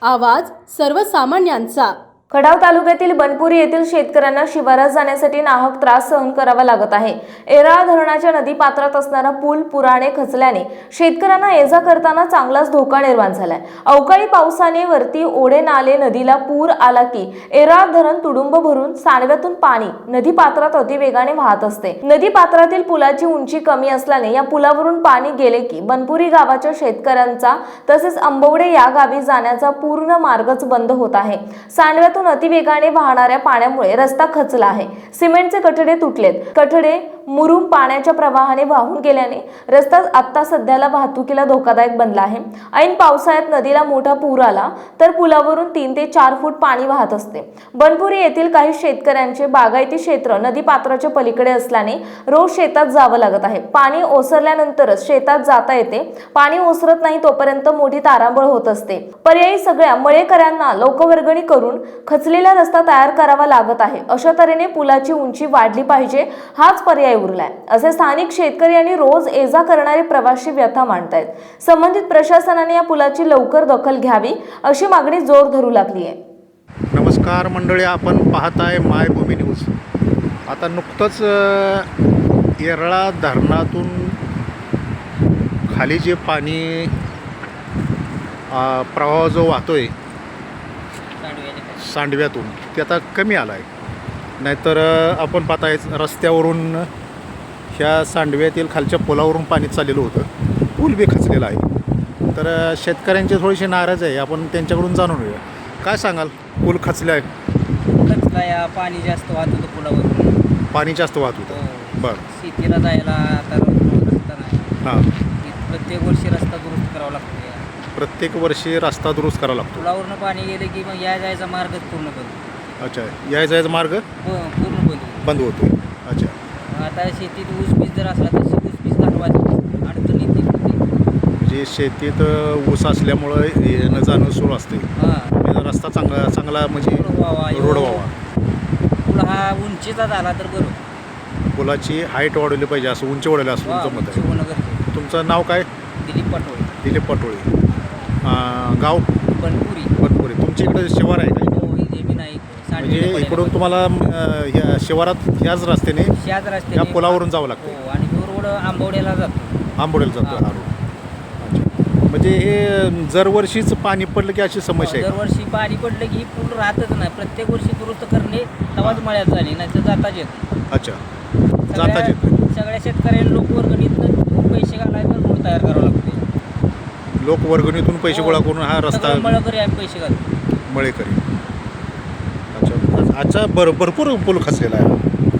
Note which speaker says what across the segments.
Speaker 1: आवाज सर्वसामान्यांचा।
Speaker 2: खडाव तालुक्यातील बनपुरी येथील शेतकऱ्यांना शिवारात जाण्यासाठी नाहक त्रास सहन करावा लागत आहे। एराळा धरणाच्या नदी पात्रात असणारा पूल पुराने खचल्याने शेतकऱ्यांना ये जा करताना चांगलाच धोका निर्माण झालाय। अवकाळी पावसाने वरती ओढे नाले नदीला पूर आला की एराळा धरण तुडुंब भरून सांडव्यातून पाणी नदी पात्रात अतिवेगाने वाहत असते। नदी पात्रातील पुलाची उंची कमी असल्याने या पुलावरून पाणी गेले की बनपुरी गावाच्या शेतकऱ्यांचा तसेच अंबवडे या गावी जाण्याचा पूर्ण मार्गच बंद होत आहे। सांडव्यातून अतिवेगाने वाहणाऱ्या पाण्यामुळे रस्ता खचला आहे। सिमेंटचे कठडे तुटलेत। कठडे मुरुम पाण्याच्या प्रवाहाने वाहून गेल्याने रस्ता आता सध्याला वाहतुकीला धोकादायक बनला आहे। ऐन पावसाळ्यात नदीला मोठा पूर आला तर पुलावरून 3 ते 4 फूट पाणी वाहत असते। बनपुरी येथील काही शेतकऱ्यांचे बागायती क्षेत्र नदी पात्राच्या पलीकडे असल्याने रोज शेतात जावं लागत आहे। पाणी ओसरल्यानंतरच शेतात जाता येते। पाणी ओसरत नाही तोपर्यंत मोठी तारांबळ होत असते। पर्यायी सगळ्या मळेकऱ्यांना लोकवर्गणी करून खचलेला रस्ता तयार करावा लागत आहे। अशा तऱ्हेने पुलाची उंची वाढली पाहिजे हाच पर्याय उरलाय असे स्थानिक शेतकरी आणि रोज ये जा करणारे प्रवासी व्यथा मांडतायत। संबंधित प्रशासनाने या पुलाची लवकर दखल घ्यावी अशी मागणी जोर धरू लागली आहे।
Speaker 3: नमस्कार मंडळी, आपण पाहताय मायभूमी न्यूज। आता नुकतंच येरळा धरणातून खाली जे पाणी प्रवाह जो वाहतोय सांडव्यातून ते आता कमी आला आहे। नाहीतर आपण पाहताय रस्त्यावरून ह्या सांडव्यातील खालच्या पुलावरून पाणी चाललेलं होतं। पूल बी खचलेला आहे। तर शेतकऱ्यांचे थोडेसे नाराज आहे। आपण त्यांच्याकडून जाणून घेऊया, काय सांगाल? पूल खचला आहे,
Speaker 4: खचला, पाणी जास्त वाहत होतं पुलावरून।
Speaker 3: पाणी जास्त वाहत होतं। बरं,
Speaker 4: शेतीला जायला आता रस्ता नाही।
Speaker 3: हां,
Speaker 4: प्रत्येक वर्षी रस्ता दुरुस्त करावा लागतो।
Speaker 3: प्रत्येक वर्षी रस्ता दुरुस्त करावा लागतो।
Speaker 4: पुलावरून पाणी गेले की मग या जायचा मार्गच पूर्ण बंद।
Speaker 3: अच्छा, याय जायचा मार्ग
Speaker 4: पूर्ण
Speaker 3: बंद होतो। अच्छा,
Speaker 4: आता शेतीत ऊस पीस जर असला तर ऊस पीस घालवायची अडचण येते।
Speaker 3: म्हणजे शेतीत ऊस असल्यामुळं येणं जाणं सुरू असते।
Speaker 4: हां,
Speaker 3: रस्ता चांगला म्हणजे रोड व्हावा।
Speaker 4: पुल हा उंचीचा झाला तर बरोबर।
Speaker 3: पुलाची हाईट वाढवली पाहिजे असं, उंची वाढवली असं तुमचं मत आहे।
Speaker 4: होणं गरजेचं।
Speaker 3: तुमचं नाव काय?
Speaker 4: दिलीप पाटोळे।
Speaker 3: दिलीप पाटोळे। गाव
Speaker 4: बनपुरी।
Speaker 3: बनपुरी। तुमच्या इकडे शिवार आहे का?
Speaker 4: हो, जमीन आहे
Speaker 3: म्हणजे इकडून तुम्हाला ह्या शिवारात ह्याच रस्त्याने
Speaker 4: ह्याच रस्त्याने
Speaker 3: या पुलावरून जावं लागतं?
Speaker 4: हो, आणि तो रोड आंबवड्याला जातो।
Speaker 3: आंबोडेला जातो हा रोड। अच्छा, म्हणजे हे दरवर्षीच पाणी पडलं की अशी समस्या आहे?
Speaker 4: दरवर्षी पाणी पडलं की ही पूल राहतच नाही। प्रत्येक वर्षी दुरुस्त करणे तवाच मळ्यात झाली, नाही तर जाताच येत।
Speaker 3: अच्छा, जाताच येत।
Speaker 4: सगळ्या शेतकऱ्यांना लोकवर्गणीतून पैसे घालायला रोड तयार करावा लागतो।
Speaker 3: लोकवर्गणीतून पैसे गोळा करून हा रस्ता
Speaker 4: मळकरी आम्ही पैसे घालतो।
Speaker 3: मळेकरी। अच्छा, भरपूर पूल खचलेला आहे।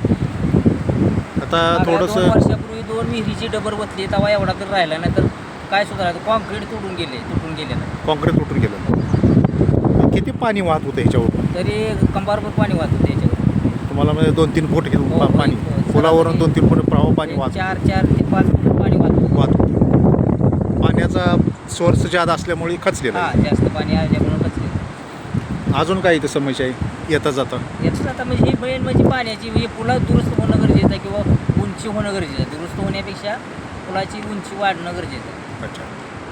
Speaker 3: आता थोडंसं
Speaker 4: 2 वर्षापूर्वी 2 विहिरीची डबर बसली, तेव्हा एवढा तर राहिला नाही तर काय सुद्धा राहतं। कॉन्क्रीट तुटून गेले नाही।
Speaker 3: कॉन्क्रीट तुटून गेलं। किती पाणी वाहत होतं ह्याच्यावर?
Speaker 4: तरी कंबारभर पाणी वाहत होते याच्यावर।
Speaker 3: तुम्हाला म्हणजे 2-3 फूट
Speaker 4: हो,
Speaker 3: पाणी
Speaker 4: हो,
Speaker 3: पुलावरून 2-3 फूट प्रवाह पाणी वाहत
Speaker 4: 4 ते 5 फूट पाणी वाहत
Speaker 3: होतं। पाण्याचा सोर्स जादा असल्यामुळे खचलेला आहे।
Speaker 4: हां, जास्त पाणी आल्यामुळे खचले।
Speaker 3: अजून काय इथं समस्या आहे येता जाता?
Speaker 4: याचं आता म्हणजे ही मेन म्हणजे पाण्याची, म्हणजे पुला दुरुस्त होणं गरजेचं आहे किंवा उंची होणं गरजेचं आहे। दुरुस्त होण्यापेक्षा पुलाची उंची वाढणं गरजेचं आहे।
Speaker 3: अच्छा,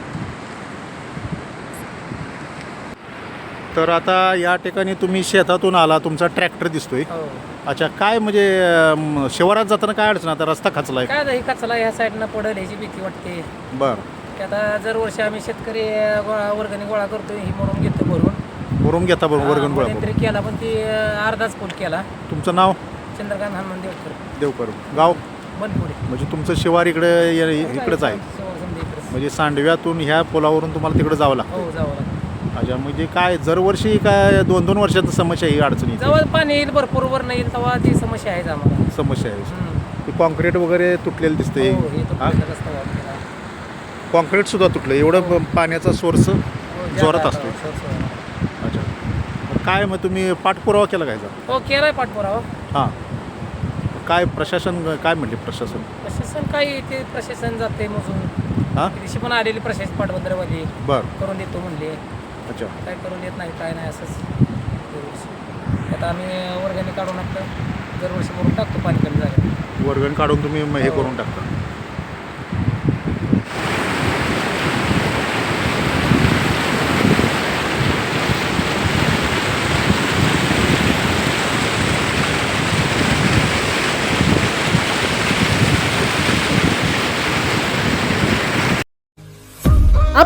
Speaker 3: तर आता या ठिकाणी तुम्ही शेतातून आला, तुमचा ट्रॅक्टर दिसतोय।
Speaker 4: हो,
Speaker 3: अच्छा, काय म्हणजे शिवारात जाताना काय अडचण? आता रस्ता खचला आहे।
Speaker 4: काय आता ही कचला ह्या साईडनं पडेल ह्याची भीती वाटते।
Speaker 3: बरं,
Speaker 4: की आता दर वर्षी आम्ही शेतकरी वर्गणी गोळा करतो, ही म्हणून घेतो भरून
Speaker 3: घेता बरोबर वर्गण गोळा
Speaker 4: मध्यंतरी केला, पण ती अर्धाच फूट केला।
Speaker 3: तुमचं नाव?
Speaker 4: चंद्रकांत हनुमान
Speaker 3: देवकर। गाव
Speaker 4: बनपुरी।
Speaker 3: म्हणजे तुमचं शिवार इकडेच आहे? म्हणजे सांडव्यातून ह्या पुलावरून तुम्हाला तिकडे जावं लागतं?
Speaker 4: हो, जावं लागतं।
Speaker 3: अच्छा, म्हणजे काय दरवर्षी काय 2-2 वर्षांची समस्या ही अडचणी?
Speaker 4: जेव्हा पाणी येईल भरपूर वर नाही येईल तेव्हा ती समस्या आहे आम्हाला।
Speaker 3: समस्या आहे। कॉन्क्रीट वगैरे तुटलेलं दिसते।
Speaker 4: हो, हे तुटलेला रस्ता वापरला।
Speaker 3: कॉन्क्रीट सुद्धा तुटलं, एवढं पाण्याचा सोर्स जोरात असतो। अच्छा, काय मग तुम्ही पाठपुरावा केला काय?
Speaker 4: हो, केलाय पाठपुरावा।
Speaker 3: हां, काय प्रशासन काय म्हणले?
Speaker 4: प्रशासन काय ते प्रशासन जाते मोजून।
Speaker 3: हां,
Speaker 4: दिवशी पण आलेली प्रशासन पाटबंदरवाली
Speaker 3: बरं,
Speaker 4: करून देतो म्हणले।
Speaker 3: अच्छा,
Speaker 4: काय करून देत नाही, काय नाही असंच दरवर्षी। आता आम्ही वर्गणी काढून आपलं दरवर्षी भरून टाकतो पाणी कमी झालं।
Speaker 3: वर्गण काढून तुम्ही हे करून टाकता?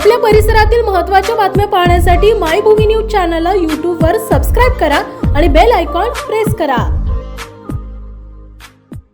Speaker 1: आपल्या परिसरातील महत्त्वाच्या बातम्या पाहण्यासाठी मायभूमी न्यूज चॅनलला यूट्यूबवर सबस्क्राईब करा आणि बेल आयकॉन प्रेस करा.